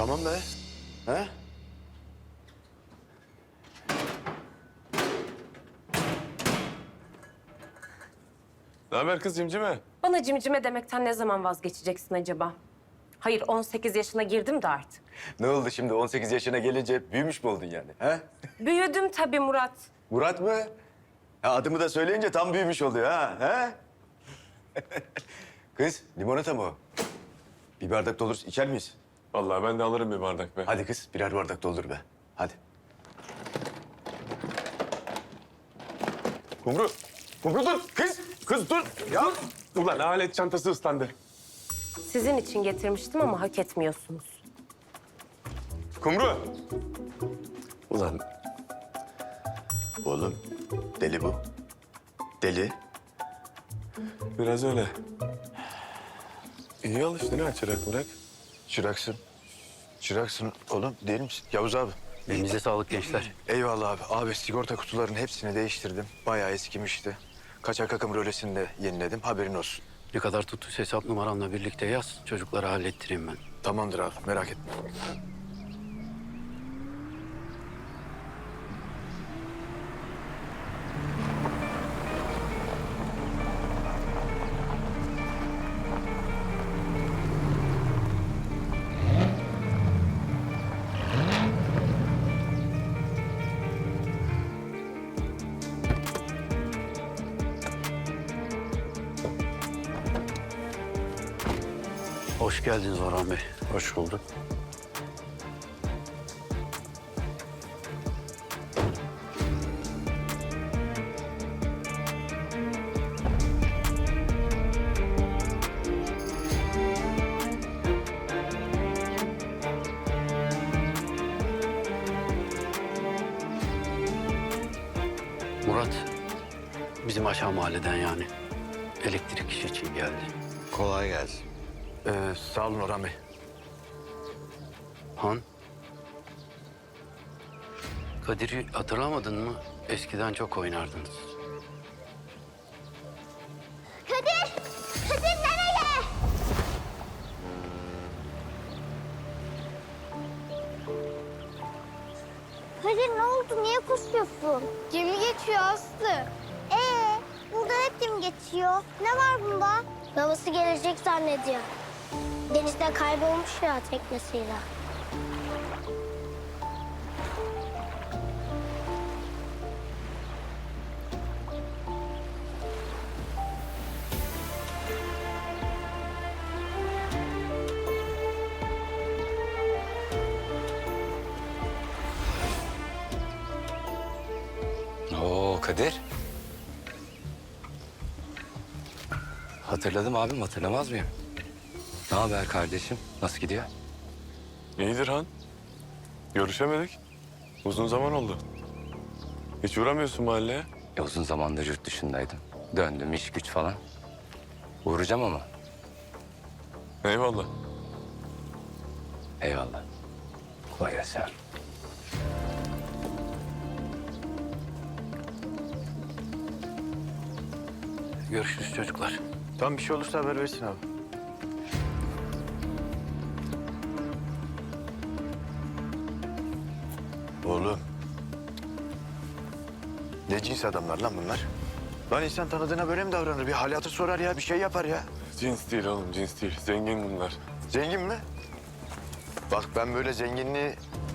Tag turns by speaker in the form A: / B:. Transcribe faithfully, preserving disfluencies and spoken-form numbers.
A: Tamam be. He?
B: Ne haber kız cimcime?
C: Bana cimcime demekten ne zaman vazgeçeceksin acaba? Hayır, on sekiz yaşına girdim de artık.
A: Ne oldu şimdi on sekiz yaşına gelince büyümüş mü oldun yani? He?
C: Büyüdüm tabii Murat.
A: Murat mı? Ha, adımı da söyleyince tam büyümüş oluyor ha. He? Kız limonata mı o? Bir bardak doldur içer miyiz?
B: Vallahi ben de alırım bir bardak be.
A: Hadi kız birer bardak doldur be. Hadi.
B: Kumru. Kumru dur. Kız. Kız dur. Ya. Dur. Ulan alet çantası ıslandı.
C: Sizin için getirmiştim ama hak etmiyorsunuz.
B: Kumru. Ulan
A: Oğlum deli bu. Deli.
B: biraz öyle. İyi alıştın ha çırak bırak.
A: Çıraksın. Çıraksın oğlum değil misin? Yavuz abi.
D: Elinize sağlık gençler.
A: Eyvallah abi. Abi sigorta kutularının hepsini değiştirdim. Bayağı eskimişti. Kaçak akım rölesini de yeniledim. Haberin olsun.
D: Ne kadar tuttuysa hesap numaranla birlikte yaz. Çocuklara hallettireyim ben.
A: Tamamdır abi merak etme.
D: Hoş geldiniz Orhan Bey.
A: Hoş bulduk.
D: Murat, bizim aşağı mahalleden yani. Elektrik işi için geldi.
A: Kolay gelsin. Ee, sağ olun Orhan Bey.
D: Han? Kadir'i hatırlamadın mı? Eskiden çok oynardınız.
E: Kadir! Kadir nereye? Kadir ne oldu? Niye koşuyorsun? Gemi geçiyor Aslı. Ee, burada hep gemi geçiyor. Ne var bunda? Babası gelecek zannediyor. Denizde kaybolmuş ya teknesiyle.
F: Oo Kadir. Hatırladım abim, hatırlamaz mıyım? Ne haber kardeşim? Nasıl gidiyor?
B: İyidir Han. Görüşemedik. Uzun zaman oldu. Hiç uğramıyorsun mahalleye.
F: E, uzun zamandır yurt dışındaydım. Döndüm, iş güç falan. Uğrayacağım ama.
B: Eyvallah.
F: Eyvallah. Kolay gelsin.
D: Görüşürüz çocuklar.
A: Tam bir şey olursa haber versin abi. Oğlum. Ne cins adamlar lan bunlar? Lan insan tanıdığına böyle mi davranır? Bir hal hatır sorar ya, bir şey yapar ya.
B: Cins değil oğlum, cins değil. Zengin bunlar.
A: Zengin mi? Bak ben böyle zenginliği